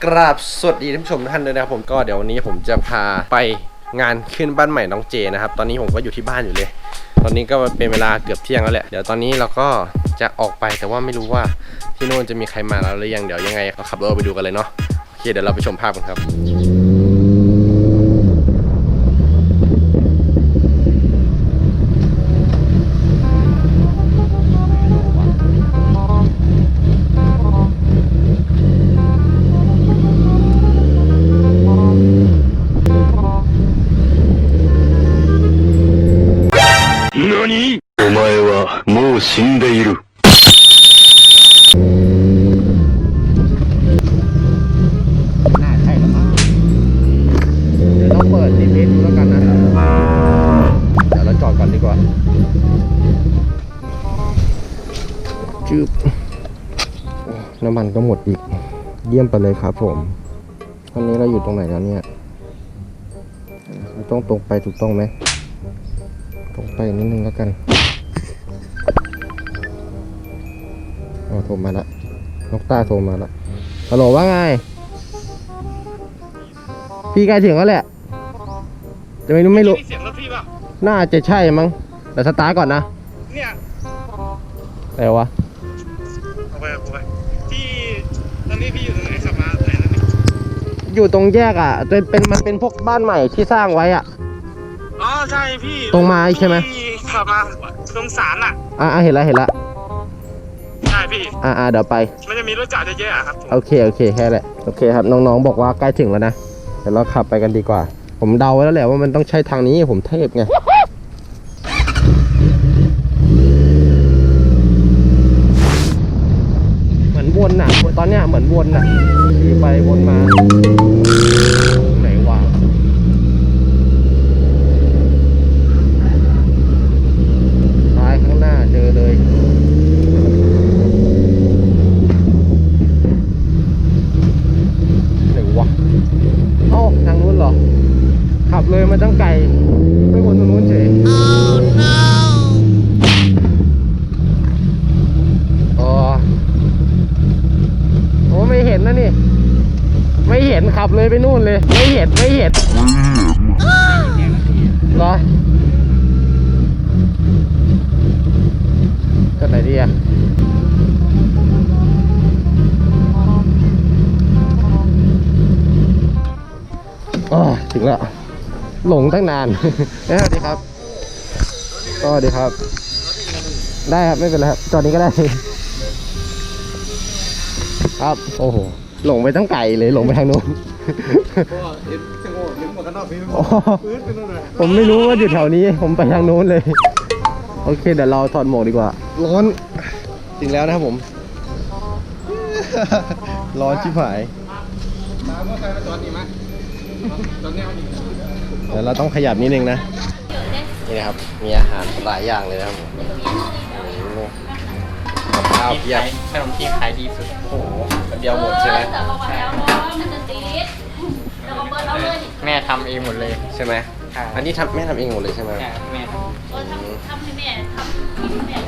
กราบสวัสดีท่านผู้ชมทุกท่านเลยนะครับผมก็เดี๋ยววันนี้ผมจะพาไปงานขึ้นบ้านใหม่น้องเจนะครับตอนนี้ผมก็อยู่ที่บ้านอยู่เลยตอนนี้ก็เป็นเวลาเกือบเที่ยงแล้วแหละเดี๋ยวตอนนี้เราก็จะออกไปแต่ว่าไม่รู้ว่าที่โน่นจะมีใครมาแล้วหรือยังเดี๋ยวยังไงเราขับรถไปดูกันเลยเนาะโอเคเดี๋ยวเราไปชมภาพกันครับお前はもう死んでいる。 น่าใช่แล้วมั้งเดี๋ยวต้องเปิด GPS ดูแล้วกันนะเดี๋ยวเราจอดก่อนดีกว่าจืบน้ำมันก็หมดอีกเยี่ยมไปเลยครับผมตอนนี้เราอยู่ตรงไหนแล้วเนี่ยเราต้องตรงไปถูกต้องไหมตรงไปนิดนึงแล้วกันโทรมาละนกต้าโทรมาละฮัลโหลว่าไงพี่ใกล้ถึงแล้วแหละจะไม่รู้เสียงรถพี่ป่ะน่าจะใช่มั้งแต่สตาร์ทก่อนนะเนี่ยอะไรวะเอาไปที่ตอนนี้พี่อยู่ตรงไหนขับมาไหนนั่นนี่อยู่ตรงแยกอ่ะมันเป็นพวกบ้านใหม่ที่สร้างไว้อ่ะอ๋อใช่พี่ตรงมาใช่ไหมพี่ขับมาตรงศาลอ่ะเห็นละใช่พี่เดี๋ยวไปมันจะมีรถจอดเยอะๆครับโอเคแค่แหละโอเคครับน้องๆบอกว่าใกล้ถึงแล้วนะเดี๋ยวเราขับไปกันดีกว่าผมเดาไว้แล้วแหละว่ามันต้องใช้ทางนี้ผมเทพไงเหมือนวนน่ะตอนเนี้ยเหมือนวนน่ะขี่ไปวนมาไหนวะซ้ายข้างหน้าเจอเลยไหนวะเอ้าทางนู้นเหรอขับเลยมาตั้งไกลไม่วนตรงนู้นเฉยโอ้ไม่เห็นนะนี่ไม่เห็นขับเลยไปนู่นเลยไม่เห็นเหรอก็ไหนดีอ่ะถึงแล้วหลงตั้งนานสวัสดีครับสวัสดีครับได้ครับไม่เป็นไรครับจอดนี้ก็ได้ครับโอ้โหหลงไปตั้งไกลเลยหลงไปทางโน้นผมไม่รู้ว่าอยู่แถวนี้ผมไปทางโน้นเลยโอเคเดี๋ยวเราถอดหมวกดีกว่าร้อนจริงแล้วนะครับผมร้อนชิบหายเดี๋ยวเราต้องขยับนิดนึงนะนี่นะครับมีอาหารหลายอย่างเลยนะครับกับข้าวเพียบขนมจีนขายดีสุดโอ้โหเดียวหมดใช่ไหมแม่ทำเองหมดเลยใช่ไหมอันนี้แม่ทำเองหมดเลยใช่ไหมแม่ทำให้แม่ทำให้แม่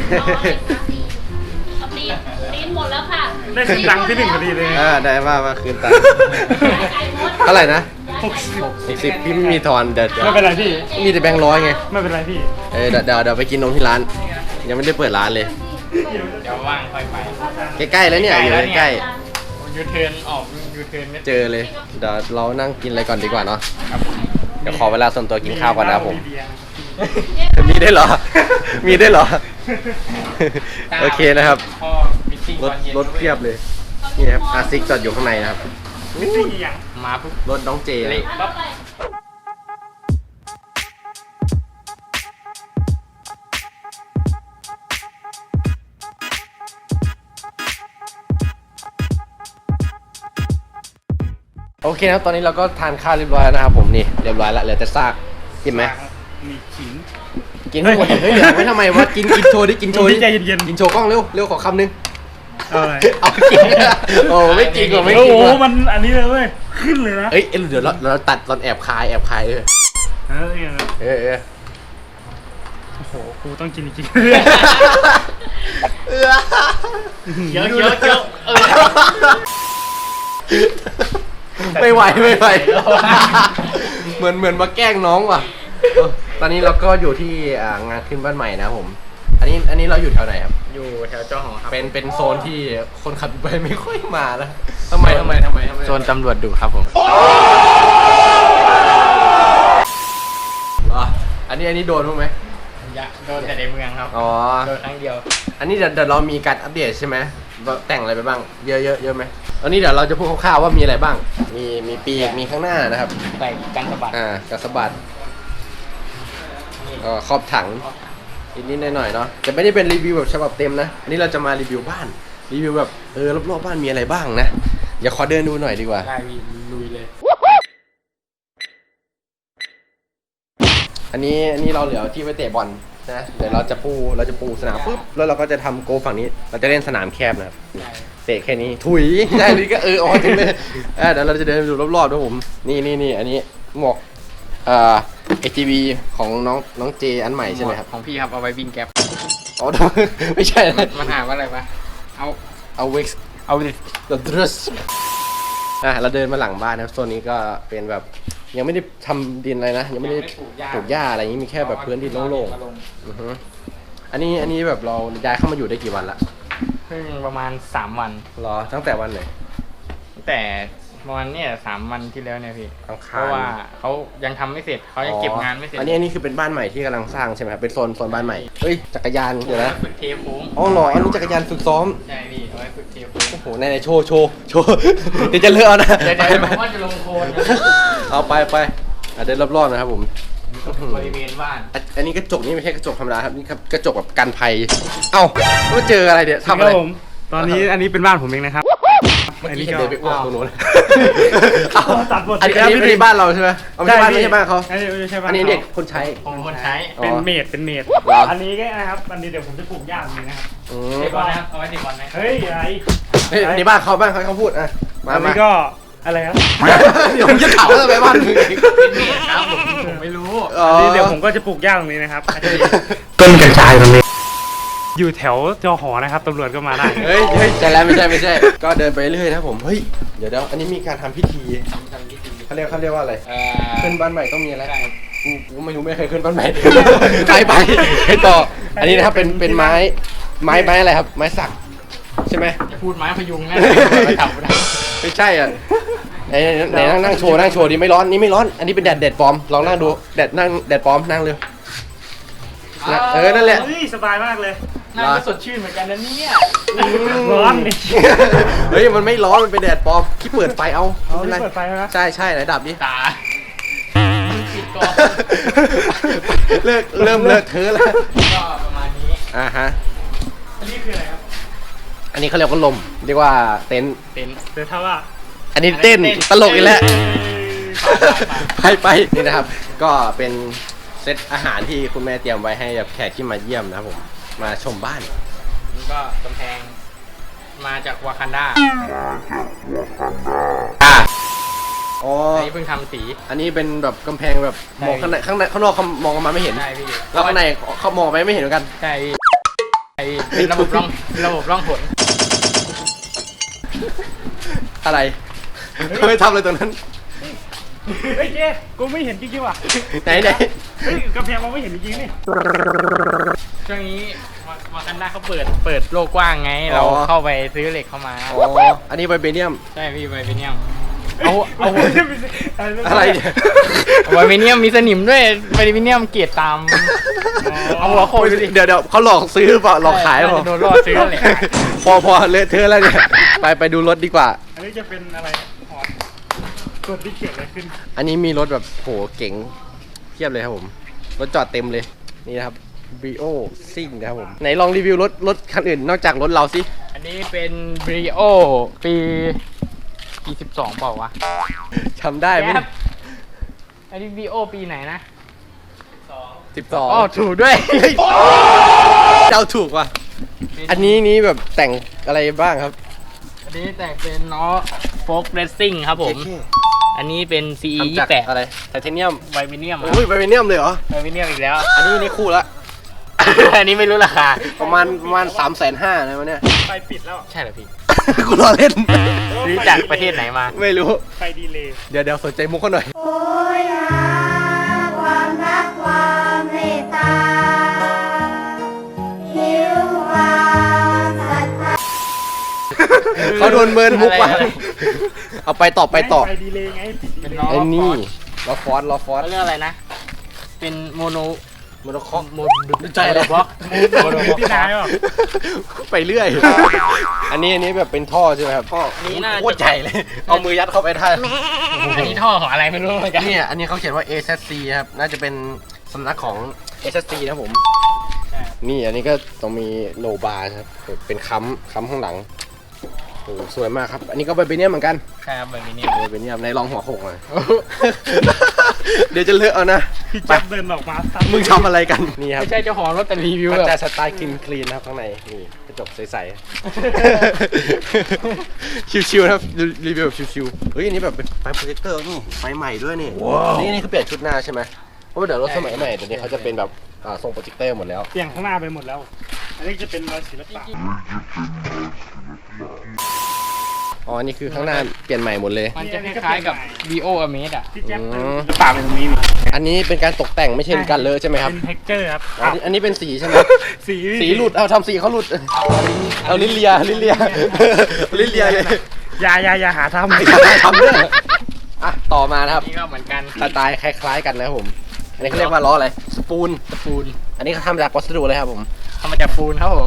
เอาตีนหมดแล้วค่ะได้คืนตังค์ที่1พอดีเลยได้ว่าคืนตังค์เท่าไหร่นะ60พี่ไม่มีทอนเดี๋ยวไม่เป็นไรพี่มีแต่แบงค์ร้อยไงไม่เป็นไรพี่เดี๋ยวไปกินนมที่ร้านยังไม่ได้เปิดร้านเลยเดี๋ยวว่างค่อยไปใกล้ๆแล้วเนี่ยอยู่ใกล้ยูเทิร์นออกยูเทิร์นเจอเลยเดี๋ยวเรานั่งกินอะไรก่อนดีกว่าเนาะเดี๋ยวขอเวลาส่วนตัวกินข้าวก่อนนะผมมีได้เหรอโอเคนะครับรถเพียบเลยนี่ครับอาซิกจอดอยู่ข้างในนะครับมาปุ๊บรถน้องเจเลยโอเคครับตอนนี้เราก็ทานข้าวเรียบร้อยแล้วนะครับผมนี่เรียบร้อยแล้วเหลือแต่ซากกินไหมมีขิงกินให้หมดเหลือไว้ทำไมวะกินโชว์ดิกินโชว์ดิใจเย็นกินโชว์กล้องเร็วขอคำนึงเอากินโอ้ไม่จริงว่ะไม่จริงว่ะมันอันนี้เลยเว้ยขึ้นเลยนะเดี๋ยวเราตัดตอนแอบคายโอ้โหกูต้องกินจริงเยอะไม่ไหวเหมือนมาแกล้งน้องว่ะตอนนี้เราก็อยู่ที่งานขึ้นบ้านใหม่นะผม อันนี้เราอยู่แถวไหนครับอยู่แถวเจ้าหอครับเป็นโซนที่คนขับไปไม่ค่อยมาแล้วทำไมโซนตำรวจดุครับผมอันนี้โดนบ้างไหมอยากโดนแต่ในเมืองครับอ๋อโดนครั้งเดียวอันนี้เดี๋ยวเรามีการอัปเดตใช่ไหมว่าแต่งอะไรไปบ้างเยอะไหมอันนี้เดี๋ยวเราจะพูดคร่าวๆว่ามีอะไรบ้างมีปีกมีข้างหน้านะครับใส่กันสะบัดกระสะบัดครอบถังนิดๆหน่อยๆเนาะแต่ไม่ได้เป็นรีวิวแบบฉบับเต็มนะอันนี้เราจะมารีวิวบ้านรีวิวแบบรอบๆบ้านมีอะไรบ้างนะอย่าขอเดินดูหน่อยดีกว่าได้พี่ลุยเลยอันนี้เราเหลือที่ไว้เตะบอลนะเดี๋ยวเราจะปูสนามปุ๊บแล้วเราก็จะทำโกฝั่งนี้เราจะเล่นสนามแคบนะครับเตะแค่นี้ถุยได้เลยก็อ๋อจริงเลยเดี๋ยวเราจะเดินดูรอบๆด้วยผมนี่อันนี้หมวกATV ของน้องเจอันใหม่ใช่ไหมครับของพี่ครับเอาไว้วิ่งแก๊ปอ๋อ ไม่ใช่นะมันหาว่าอะไรปะเอาเว็กซ์The Dress เราเดินมาหลังบ้านนะครับโซนนี้ก็เป็นแบบยังไม่ได้ทำดินอะไรนะยังไม่ได้ปลูกหญ้าอะไรอย่างนี้มีแค่แบบพื้นที่โล่งๆอือฮึอันนี้แบบเราย้ายเข้ามาอยู่ได้กี่วันละเพิ่งประมาณ3 วันรอตั้งแต่วันไหนตั้งแต่ประมาณเนี่ย3 วันที่แล้วเนี่ยพี่อังคารเพราะว่าเขายังทำไม่เสร็จเขายังเก็บงานไม่เสร็จอันนี้คือเป็นบ้านใหม่ที่กำลังสร้างใช่ไหมครับเป็นโซนบ้านใหม่เฮ้ยจักรยานเดี๋ยวนะฝึกเทโค้งอ๋อเหรออันนี้จักรยานฝึกซ้อมใช่พี่เอาไว้ฝึกเทโค้งโอ้โหไหนโชว์ เดี๋ยวจะเลอะเอานะเดี๋ยวไปผมว่าจะลงโคลนนะเอาไปเดินรอบๆนะครับผมบริเวณบ้านอันนี้กระจกนี่ไม่ใช่กระจกธรรมดาครับนี่ครับกระจกแบบกันภัยเอ้ามาเจออะไรเนี่ยทำอะไรตอนนี้อันนี้เป็นบ้านผมเองนะครับเมื่อกี้เห็นเดินไปอ้วกตรงโน้นตัดบทอันนี้ไม่ใช่บ้านเราใช่ไหมเอาไม่ใช่บ้านไม่ใช่บ้านเขาอันนี้ไม่ใช่บ้านอันนี้เด็กคนใช้ของคนใช้เป็นเมดเหรออันนี้ก็นะครับอันนี้เดี๋ยวผมจะปลูกหญ้าตรงนี้นะครับอืมเตะบอลนะครับเอาไว้เตะบอลไหมเฮ้ยอะไรเฮ้ยในบ้านเขาพูดอ่ะมาอันนี้ก็อะไรครับเดี๋ยวผมจะถามว่าทำไมบ้านมึงเองเป็นเมดครับผมไม่รู้อันนี้เดี๋ยวผมก็จะปลูกหญ้าตรงนี้นะครับต้นกัญชาตรงนี้อยู่แถวจอหอนะครับตำรวจก็มาได้เฮ้ยใช่แล้วไม่ใช่ ก็เดินไปเรื่อยนะผมเฮ้ยเดี๋ยวอันนี้มีการทำพิธีเขาเรียกว่าอะไรขึ้นบ้านใหม่ต้องมีอะไรกูไม่รู้ไม่เคยขึ้นบ้านใหม่ไปให้ต่ออันนี้นะครับเป็นไม้อะไรครับไม้สักใช่ไหมจะพูดไม้พยุงนะไม่ทำไม่ได้ไม่ใช่อ่ะไหนนั่งโชว์ดิไม่ร้อนนี่ไม่ร้อนอันนี้เป็นแดดปลอมลองนั่งดูแดดปลอมนั่งเร็วนั่นแหละเฮ้ยสบายมากเลยน่าจะสดชื่นเหมือนกันนะเนี่ยร้อนนี่เฮ้ยมันไม่ร้อนมันเป็นแดดปลอมที่เปิดไฟเอาเปิดไฟไหมใช่ไหนดับดิตาปิดก่อนเริ่มเลอะเทอะแล้วก็ประมาณนี้ฮะอันนี้คืออะไรครับอันนี้เขาเรียกว่าลมเรียกว่าเต็นท์เต็นท์เดี๋ยวถ้าว่าอันนี้เต้นตลกอีกแล้วไปนี่นะครับ ก็เป็นเซตอาหารที่คุณแม่เตรียมไว้ให้แบบแขกที่มาเยี่ยมนะครับผมมาชมบ้านนี่ก็กำแพงมาจากวากันดาอ๋ออันนี้เพิ่งทำสีอันนี้เป็นแบบกำแพงแบบมองข้างในข้างนอกเขามองออกมาไม่เห็นใช่พี่แล้วข้างในเขามองไปไม่เห็นเหมือนกันใช่พี่เป็นระบบร่องหนอะไรไม่ทำอะไรตรงนั้นเฮ้ยเจ๊กูไม่เห็นจริงๆว่ะไหนเฮ้ยกระแพงเราไม่เห็นจริงๆนี่ช่วงนี้วากันดาเขาเปิดโลกกว้างไง เราเข้าไปซื้อเหล็กเข้ามาอ๋ออันนี้ไวเบเนียมใช่พี่ไวเบเนียมอะไรเนี่ยไวเบเนียมมีสนิมด้วยไวเบเนียมเกรดตาม เอาหัวโขกดูดิเดี๋ยวเขาหลอกซื้อเปล่าหลอกขายเปล่าโดนล่อซื้อแหละพอเลอะเทอะแล้วเนี่ยไปดูรถดีกว่าอันนี้จะเป็นอะไรหอตัวที่เขียนอะไรขึ้นอันนี้มีรถแบบโหเก๋งเทียบเลยครับผมรถจอดเต็มเลยนี่นะครับ Brio ซิ่งนะครับผมไหนลองรีวิวรถคันอื่นนอกจากรถเราสิอันนี้เป็นบริโอปี12เปล่าวะจำได้ไหมแก๊ปอันนี้บริโอปีไหนนะ 12 อ๋อถูกด้วยเจ้าถูกว่ะอันนี้แบบแต่งอะไรบ้างครับอันนี้แต่งเป็นล้อโฟล์กเรซซิ่งครับผม อันนี้เป็น CE ทำจาก 28 อะไรไทเทเนียมไวเบเนียมโอ้ยไวเบเนียมเลยเหรอไวเบเนียมอีกแล้วอันนี้คู่ละอันนี้ไม่รู้ราคาประมาณ350,000นะวันเนี้ยไฟปิดแล้วใช่เหรอพี่กูรอเล่นซื้อจากประเทศไหนมาไม่รู้ไฟดีเลยเดี๋ยวสนใจมุกเขาหน่อยโอ้ยหาความรักความเมตตาหิวความศรัทธาเขาโดนเมินมุกว่ะอะไรเอาไปต่อไฟดีเลยไงเป็นล้อไอ้นี่ฟอร์ดรอฟอสเขาเรียกอะไรนะ เป็นโมโนโมโนคอโมใจเลยบล็อกโมโนบล็อกพี่นายเหรอไปเรื่อย อันนี้แบบเป็นท่อใช่ไหมครับท่อนี่น่าจะโคตรใหญ่เลย เอามือยัดเข้าไปได้อันนี้ท่อของอะไรไม่รู้เหมือนกันเนี่ยอันนี้เขาเขียนว่า AZC ครับ น่าจะเป็นสำนักของ AZC นะครับผม นี่อันนี้ก็ต้องมีโลบาร์ครับ เป็นค้ำข้างหลัง โอ้สวยมากครับ อันนี้ก็ไบเบเนียมเหมือนกันใช่ครับแบบนี้ไบเบเนียมในรองหัวโขกเลย เดี๋ยวจะเลอะเอานะพี่แจ๊บเดินออกมาซัดมึงทำอะไรกัน นี่ครับไม่ใช่เจ้าของรถแต่รีวิวมันแบบจะสไตล์คลีนนะครับข้างใน นี่กระจกใสๆ ชิวๆนะครับรีวิวแบบชิวๆ เฮ้ยอันนี้แบบเป็นไฟโปรเจคเตอร์นี่ไฟใหม่ด้วยนี่นี่คือเปลี่ยนชุดหน้าใช่ไหมเพราะว่าเดี๋ยวรถสมัยใหม่เดี๋ยวนี้เขาจะเป็นแบบทรงโปรเจคเตอร์หมดแล้วเปลี่ยนข้างหน้าไปหมดแล้ว อันนี้จะเป็นรอยศิลปะอ๋อ นี่คือข้างหน้าเปลี่ยนใหม่หมดเลยมันจะคล้ายๆกับ Vio Amaze อ่ะพี่แจ๊บอืมศิลปะเป็นตรงนี้นี่อันนี้เป็นการตกแต่งไม่ใช่การเลอะใช่ไหมครับเป็นเท็กเจอร์ครับอันนี้เป็นสีใช่ไหมสีสีหลุด เอาทำสีเขาหลุด เอาลิ้นเลียลิ้นเลียเลยอย่าหาทำไม่ได้ทำเรื่องอ่ะต่อมานะครับนี่ก็เหมือนกันสไตล์คล้ายๆกันนะครับผม อันนี้เขาเรียกว่าล้ออะไร สปูน อันนี้เขาทำจากวัสดุอะไรครับผมทำมาจากปูนครับผม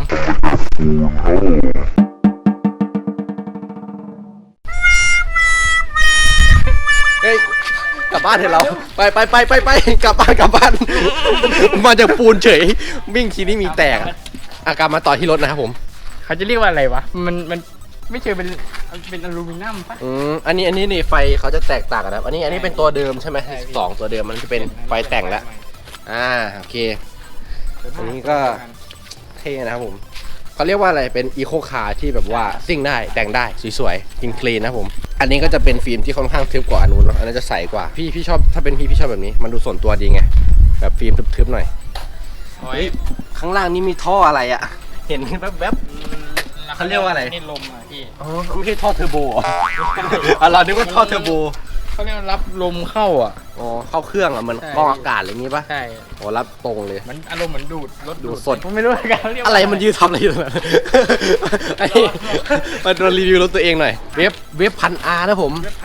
เฮ้ย กลับบ้านเถอะเรา ไปกลับบ้าน มาจากปูนเฉย วิ่งทีนี้มีแตกอะอาการมาต่อที่รถนะครับผมเขาจะเรียกว่าอะไรวะ มันไม่เชิงเป็นอลูมิเนียมปะอันนี้นี่ไฟเขาจะแตกต่างกันนะครับ อันนี้เป็นตัวเดิมใช่ไหม12ตัวเดิมมันจะเป็นไฟแต่งแล้ว โอเค อันนี้ก็เท่นะครับผมเขาเรียกว่าอะไรเป็นอีโคคาร์ที่แบบว่าซิ่งได้แต่งได้สวยๆคลีนนะครับผม อันนี้ก็จะเป็นฟิล์มที่ค่อนข้างทึบกว่าอันนู้นเนอะอันนั้นจะใสกว่าพี่ชอบถ้าเป็นพี่ชอบแบบนี้มันดูส่วนตัวดีไงแบบฟิล์มทึบๆหน่อยโอ้เฮ้ยยข้างล่างนี่มีท่ออะไรอะเห็นแวบ เขาเรียกว่าอะไรนี่ลมอ่ะพี่ๆอ๋อไม่ใช่ท่อเทอร์โบเหรอเรานึกว่าท่อเทอร์โบเขาเรียกว่ารับลมเข้าอ่ะอ๋อเข้าเครื่องอะเหมือนใช่กรองอากาศอะไรอย่างงี้ปะใช่อ๋อรับตรงเลยมันอารมณ์เหมือนดูดรถดูดสดผมไม่รู้เหมือนกันเรียกว่าอะไรมันยืนทำอะไรอยู่ตรงนั้นไอ้มาโดนรีวิวรถตัวเองหน่อย เว็บ1,000R นะผม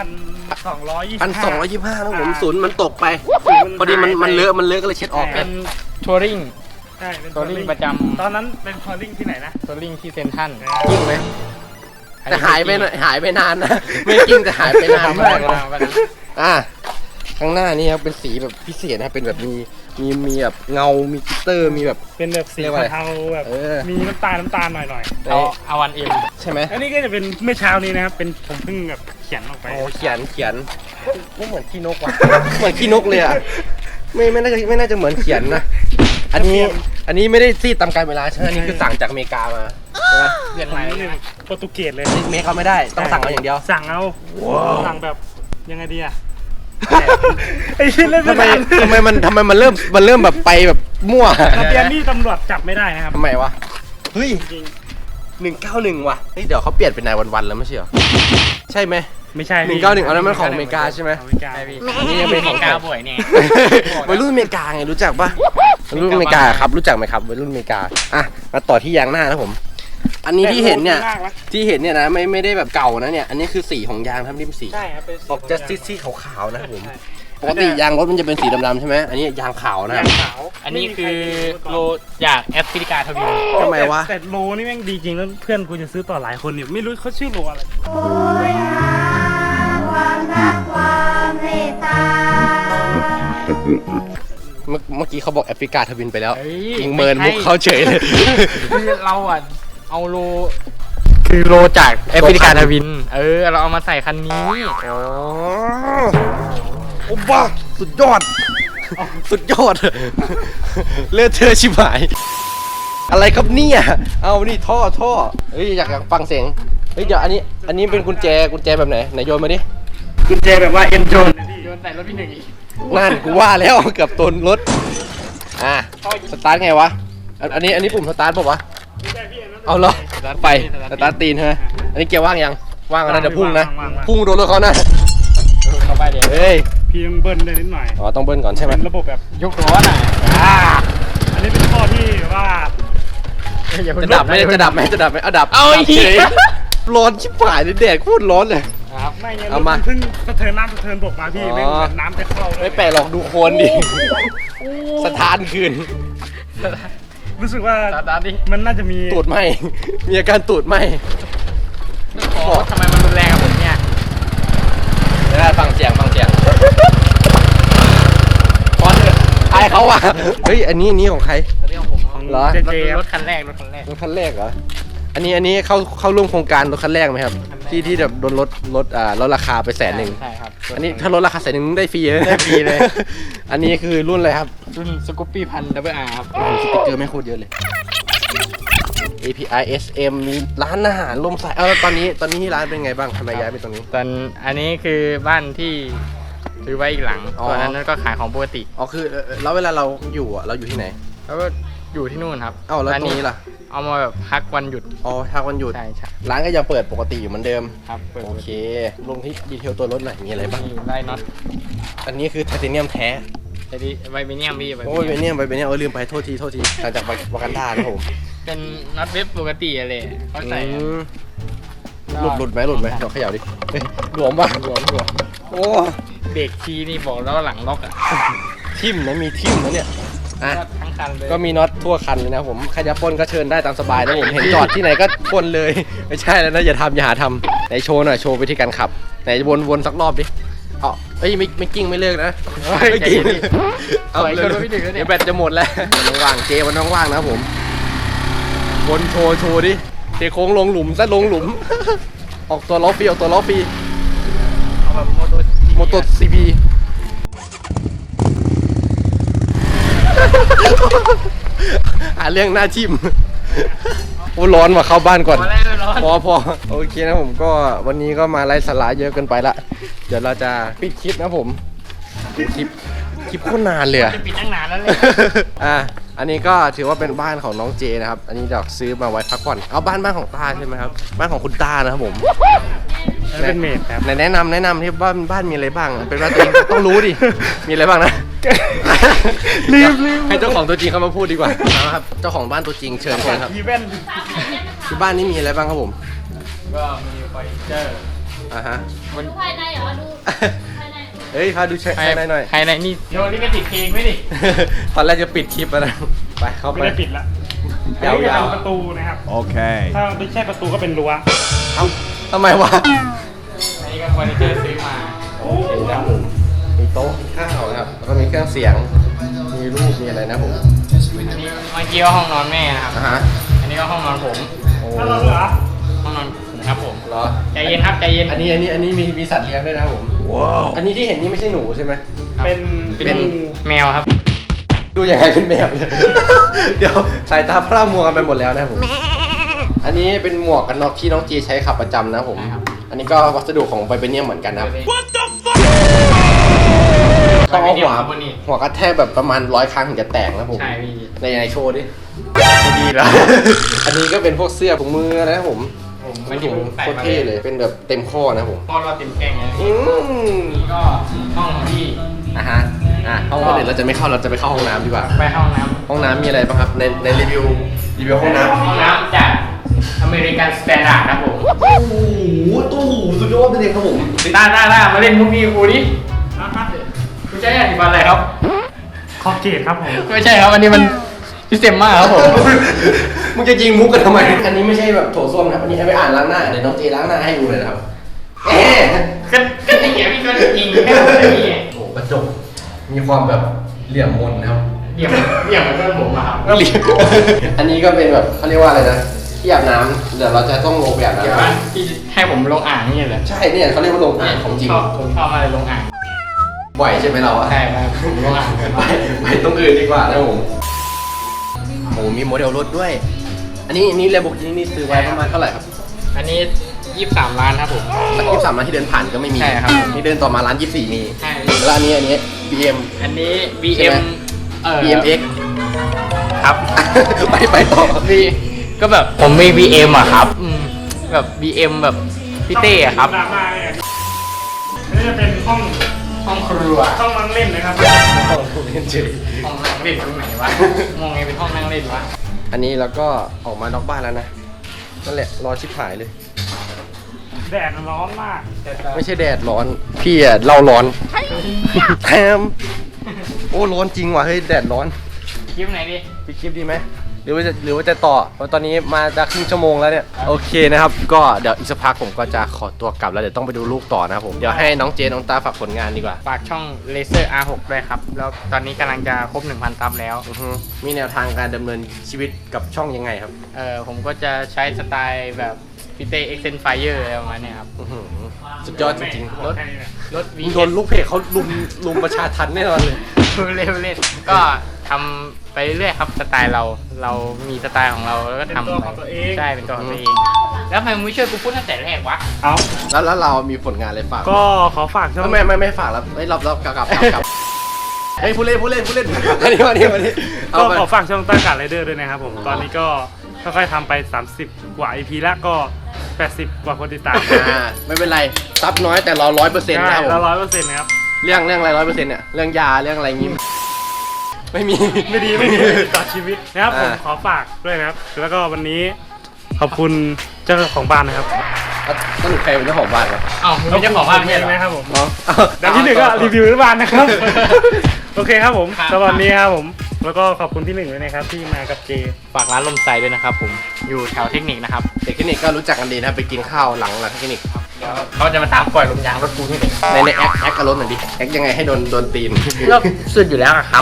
1,225 นะผมศูนย์มันตกไป พอดีมันเลอะก็เลยเช็ดออกเป็นทัวริงใช่เป็นทัวริงประจตอนนั้นเป็นทัวริงที่ไหนนะำทัวริงที่เซนทรัลจริงไหมแต่หายไปนานนะ ไม่จริงแต่หายไปนานมากนะอ่ะข้างหน้านี่ครับเป็นสีแบบพิเศษนะครับเป็นแบบมีแบบเงา มีกลิตเตอร์ มีแบบเป็นแบบสีเรียกว่าอะไรเทาๆแบบเออมีน้ำตาลหน่อยเอาวันเอ็มใช่ไหมอันนี้ก็จะเป็นเมื่อเช้านี้นะครับ เป็นผมเพิ่งแบบเขียนออกไปโอ้เขียนไม่เหมือนขี้นกว่ะ เหมือนขี้นกเลยอ่ะไม่น่าจะเหมือนเขียนนะ อันนี้ไม่ได้ซีดตามกาลเวลาใช่ไหมอันนี้คือสั่งจากอเมริกามาใช่ไหมเปลี่ยนผใหมม่นี่เลยโปรตุเกสเลยเมคเขาไม่ได้ต้องสั่งเอาอย่างเดียวสั่งเอาสั่งแบบยังไงดีอะไอ้ที่เล่นทำไมไม่ทันทำไมมันเริ่มแบบไปแบบมั่วทะเบียนนี่ตำรวจจับไม่ได้นะครับทำไมวะเฮ้ยจริง 191ว่ะเฮ้ยเดี๋ยวเขาเปลี่ยนเป็นนายวันๆแล้วไม่ใช่เหรอใช่ไหมไม่ใช่ 191เอานั้นมันของอเมริกาใช่ไหมของอเมริกาใช่พี่อันนี้ยังเป็นของกาบ่อยเนี่ยวัยรุ่นอเมริกาไงรู้จักปะวัยรุ่นอเมริกาครับรู้จักไหมครับวัยรุ่นอเมริกาอ่ะมาต่อที่ยางหน้านะผม อันนี้ที่เห็นเนี่ยนะไม่ได้แบบเก่านะเนี่ยอันนี้คือสีของยางครับนี่เป็นสีใช่ครับเป็นออกจะซีดๆขาวๆนะครับผมใช่ปกติยางรถมันจะเป็นสีดำๆใช่ไหมอันนี้ยางขาวนะคยารับงขาวอันนี้คือโลจากแอฟริกาทวีปทำไมวะแต่โลนี่แม่งดีจริงแล้วเพื่อนกูจะซื้อต่อหลายคนเนี่ยไม่รู้เขาชื่อโลอะไรโอ้ยหาความรักความเมตตาเมื่อกี้เขาบอกแอฟริกาทวินไปแล้วเฮ้ยยิงเมินมุกเขาเฉยเลยคือเราอ่ะเอาโลคือโลจากแอฟริกาทวิน เราเอามาใส่คันนี้อ๋อโอ้บ้าสุดยอด สุดยอด เลือดเธอชิบหาย อะไรครับเนี่ยเอานี่ท่อเฮ้ยอยากฟังเสียงเฮ้ยเดี๋ยวอันนี้เป็นกุญแจแบบไหนโยนมาดิกุญแจแบบว่าเอ็นโจนโยนใส่รถพี่หนึ่งอีกนั่นกูว่าแล้วเกือบตนรถสตาร์ทไงวะอันนี้ปุ่มสตาร์ทป่าวะไม่ใช่พี่อันนั้นเอาเหรอไปสตาร์ทตีนใช่ไหมอันนี้เกียร์ว่างยังว่างแล้วนะเดี๋ยวพุ่งนะว่างพุ่งโดนรถเขานะเข้าไปเดี๋ยวเฮ้ยพี่ต้องเบิ้ลได้นิดหน่อยอ๋อต้องเบิ้ลก่อนใช่ไหมเป็นระบบแบบยกล้อหน่อยอันนี้เป็นข้อที่ว่าอย่าเพิ่งจะดับไหมจะดับไหมจะดับไหมเอาดับเอาไอ้ดับเหี้เฉยยร้อนชิบหายเลยแดดโคตรร้อนเลยครับไม่ไงเอามาเพิ่งสะเทินน้ำสะเทินบกมาพี่อ๋อไม่เหมือนน้ำจะเข้าเลยไม่แปลกหรอกดูโคนดิสถานคืนรู้สึกว่าตามดิมันน่าจะมีตูดไหมมีอาการตูดไหมทำไมมันรุนแรงกับผมเนี่ยเดี๋ยวได้ฟังเสียงพอนเถอะอายเขาอ่ะเฮ้ยอันนี้ของใครเรื่องของผมเหรอเจเจรถคันแรกรถคันแรกเหรออันนี้เข้าร่วมโครงการรถคันแรกไหมครับ ที่แบบโดนลดราคาไป100,000 ใช่ครับอันนี้ถ้าลดราคา100,000ได้ฟรีเลยได้ฟรีเลยอันนี้คือรุ่นอะไรครับรุ่นสกูปปี้พันดับเบิลอาร์ครับโอ้โหสติ๊กเกอร์ไม่โคตรเยอะเลย API SM มีร้านอาหารลมสายแล้วตอนนี้ที่ร้านเป็นไงบ้างทำไมย้ายไปตรงนี้ตอนอันนี้คือบ้านที่ซื้อไว้อีกหลังอ๋อส่วนนั้นก็ขายของปกติอ๋อคือแล้วเวลาเราอยู่อ่ะเราอยู่ที่ไหนแล้วก็อยู่ที่นู่นครับเอ้าแล้วตรงนี้ล่ะเอามาแบบพักวันหยุดอ๋อถ้าวันหยุดใช่ใช่ร้านก็ยังเปิดปกติอยู่เหมือนเดิมครับเปิดโอเคลงที่ดีเทลตัวรถหน่อยมีอะไรบ้างนี่ไล่น็อตอันนี้คือไทเทเนียมแท้ไอ้ดิไวเบเนียมพี่โอ้ยเบเนียมลืมไปโทษทีหลังจากวากันดานะผมเป็นน็อตเว็บปกติอะไรเขาใส่อืมหลุดไหมเดี๋ยวเขย่าดิเฮ้ยหลวมป่ะหลวมโอ้เบรกทีนี่บอกแล้วหลังล็อกอ่ะทิ่มนะมีทิ่มนะเนี่ยอ่ะก็ทั้งคันเลยก็มีน็อตทั่วคันเลยนะผมใครจะปล้นก็เชิญได้ตามสบายนะผมเห็นจอดที่ไหนก็ปล้นเลย ไม่ใช่แล้วนะอย่าหาทำไหนโชว์หน่อยโชว์วิธีการขับไหนวนสักรอบดิเอาเอ้ยไม่กิ้งไม่เลิกนะไม่กิ้งเอาเลยเดี๋ยวแบตจะหมดแล้วมันว่างเจมันว่างๆนะผมวนโชว์ดิเทโค้งลงหลุมซะลงหลุม ออกตัวล้อฟรีเอาแบบโมโตซีพีหาเรื่องหน้าทิมโอ้ร้อนว่ะเข้าบ้านก่อนพอแล้วร้อนพอโอเคนะผมก็วันนี้ก็มาไล่สาระเยอะเกินไปละเดี๋ยวเราจะปิดคลิปนะผมโอ้คลิปโคตรนานเลยอะจะปิดตั้งนานแล้วเลยอันนี้ก็ถือว่าเป็นบ้านของน้องเจนะครับอันนี้เดี๋ยวซื้อมาไว้พักผ่อนเอาบ้านของต้าใช่ไหมครับบ้านของคุณต้านะครับผมเป็นเมดครับไหนแนะนำที่บ้านมีอะไรบ้างเป็นว่าตัวเองต้องรู้ดิมีอะไรบ้างนะรีบให้เจ้าของตัวจริงเขามาพูดดีกว่าเอาครับเจ้าของบ้านตัวจริงเชิญคนครับอีเวนต์ที่บ้านนี้มีอะไรบ้างครับผมก็มีเฟอร์นิเจอร์อ่าฮะดูภายในเหรอดูภายในเฮ้ยพาดูภายในหน่อยภายในนี่โยนลิขสิทธิ์เพลงไหมดิตอนแรกจะปิดคลิปแล้วนะไปเข้าไปไม่ได้ปิดละยาวๆอันนี้ก็เป็นประตูนะครับ Okay. ถ้าไม่ใช่ประตูก็เป็นรั้วเอ้าทำไมวะอันนี้ก็เฟอร์นิเจอร์ซื้อมาโอเคนะครับผมมีโต๊ะข้าวนะครับแล้วก็มีเครื่องเสียงมีรูปมีอะไรนะผมอันนี้เมื่อกี้ก็ห้องนอนแม่นะครับอ่าฮะอันนี้ก็ห้องนอนผมโอ้ถ้าเราเหลือห้องนอนผมครับผมเหรอใจเย็นครับใจเย็นอันนี้มีสัตว์เลี้ยงด้วยนะครับผม Wow. อันนี้ที่เห็นนี่ไม่ใช่หนูใช่ไหมครับเป็นเป็น แมวครับดูยังไงเป็นแมวเนี่ย เดี๋ยวสายตาพร่ามัวกันไปหมดแล้วนะครับผม อันนี้เป็นหมวกกันน็อกที่น้องจีใช้ขับประจำนะครับผมใช่ครับอันนี้ก็วัสดุของไบเบเนียมเหมือนกันนะครับไวต้องเบเอาเนียหัมวครับวันนี้หัวกระแทกแบบประมาณ100 ครั้งถึงจะแตกนะครับผมใช่พี่ในโชว์ดิไม่ดีแล้ว อันนี้ก็เป็นพวกเสื้อถุงมือนะครับผมผมมัไม่นได้ถุงใส่โคตรมาเท่เลย เป็นแบบเต็มข้อนะครับผมพอเราเต็มแกงไงอืมนี่ก็ห้องของพี่อ่ะฮะห้องคนอื่นเราจะไม่เข้าเราจะไปเข้าห้องน้ำดีกว่าไปห้องน้ห้องน้ำมีอะไรบ้างครับในรีวิวห้องน้ำำห้องน้ำจากอเมริกันสแตนดาร์ดครับผมโอ้โหตู้หูสุดยอดเลยครับผมได้มาเล่นมุกนี้กูดิคุณใช้อธิบายอะไรครับคอเกตครับผมไม่ใช่ครับอันนี้มันพิเศษมากครับผมมึงจะยิงมุกกันทำไม อันนี้ไม่ใช่แบบโถส้วมนะครับ อันนี้เอาไปอ่านล้างหน้า เดี๋ยวน้องเจล้างหน้าให้ดูเลยนะครับเอ๊ะก็ไอ้เหี้ยพี่ก็ยิงแค่ผมเลยพี่โอ้กระจก มีความแบบเหลี่ยมมนนะครับเดี่ยวมันเพื่อนผมอะครับก็เหลี่ยม อันนี้ก็เป็นแบบเขาเรียกว่าอะไรนะ ที่อาบน้ำเดี๋ยวเราจะต้องลงไปอาบเดี๋ยวน้ำว่าพี่ให้ผมลงอ่างนี่แหละใช่เนี่ยเขาเรียกว่าลงอ่างของจริงผมชอบอะไรลงอ่างบ่อยใช่ไหมเราอะใช่ครับผมลงอ่างเกินไปไปตรงอื่นดีกว่านะผมโอ้มีโมเดลรถด้วย อันนี้เลโบกินี่ซื้อไว้ประมาณเท่าไหร่ครับอันนี้23 ล้านครับผมร้าน23ร้านที่เดินผ่านก็ไม่มีใช่ครับนี่เดินต่อมาร้าน24มีใช่แล้วอันนี้ BM อันนี้ใช่ไหม BM BMX ครับไปต่อ B ก็แบบผมมี BM อะครับแบบ BM แบบพี่เต้อะครับดราม่าเนี่ยนี่จะเป็นห้องห้องครัวห้องนั่งเล่นนะครับห้องนั่งเล่นตรงไหนวะมองไงเป็นห้องนั่งเล่นวะอันนี้เราก็ออกมานอกบ้านแล้วนะนั่นแหละร้อนชิบหายเลยแดดมันร้อนมากไม่ใช่แดดร้อน พี่อะเล่าร้อนแถมโอ้ร้อนจริงว่ะเฮ้ยแดดร้อนคลิปไหนดิพี่คลิปดีไหมหรือว่าจะต่อเพราะตอนนี้มาจะครึ่งชั่วโมงแล้วเนี่ยโอเคนะครับก็เดี๋ยวอีกสักพักผมก็จะขอตัวกลับแล้วเดี๋ยวต้องไปดูลูกต่อนะครับผมเดี๋ยวให้น้องเจน้องตาฝากผลงานดีกว่าฝากช่อง Laser R6 ด้วยครับ แล้วตอนนี้กำลังจะครบ 1,000 ซับแล้วอือฮึมีแนวทางการดำเนินชีวิตกับช่องยังไงครับผมก็จะใช้สไตล์แบบพี่เต้ Extend Fire อะไรประมาณเนี้ยครับอื้อหือสุดยอดจริงๆรถรถ V โดนลูกเพจเขาลุมประชาทันแน่นอนเลยเล่นก็ทำไปเรื่อยๆครับสไตล์เรามีสไตล์ของเราแล้วก็ทำเป็นตัวของตัวเองใช่เป็นตัวของตัวเอง แล้วทำไมมึงไม่ช่วยกูพูดตั้งแต่แรกวะเอาแล้วเรามีผลงานอะไรฝากก็ขอฝากช่องไม่ฝากแล้วไม่รับกลับเฮ้ยผู้เล่นอันนี้เอาก็ไปขอฝากช่องต้ากัดไรเดอร์ด้วยนะครับผมตอนนี้ก็ค่อยๆทำไป 30 กว่า EP แล้วก็ 80 กว่าคนติดตามไม่เป็นไรซับน้อยแต่เรา100%นะใช่ครับผแล้วม 100%นะครับเรื่องอะไร100%เนี่ยเรื่องยาเรื่องอะไรงี้ไม่มีไม่ดีต่อชีวิตนะครับผมขอฝากด้วยนะครับ แล้วก็วันนี้ขอบคุณเจ้าของบ้านนะครับสรุปใครเป็นเจ้าของบ้านครับอ้าวมึงเป็นเจ้าของบ้านไม่ใช่เหรอนะครับผมอ๋อดังที่หนึ่งก็รีวิวที่บ้านนะครับ โอเคครับผมครับสำหรับวันนี้ครับผม แล้วก็ขอบคุณที่หนึ่งด้วยนะครับที่มากับเจฝากร้านลมไซด้วยนะครับผมอยู่แถวเทคนิคนะครับเด็กเทคนิคก็รู้จักกันดีนะครับไปกินข้าวหลังเทคนิคเดี๋ยวเขาจะมาตามปล่อยลมยางรถกูที่ไหนในแอคกับรถหน่อยดิแอคยังไงให้โดนตีนก็สุดอยู่แล้วอะครับ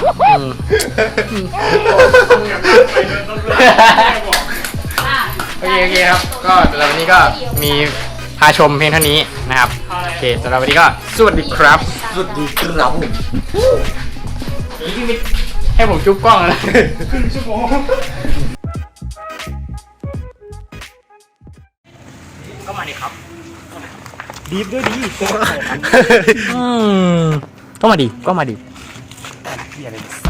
โอเคครับ ก็สำหรับวันนี้ก็มีพาชมเพียงเท่านี้นะครับ โอเคสำหรับวันนี้ก็สวัสดีครับสุดดีครับนี่ไม่ให้ผมจุ๊บกล้องแล้วนะครึ่งชั่วโมงก็มาดิครับดีฟด้วยดีก็มาดิเบียร์เลย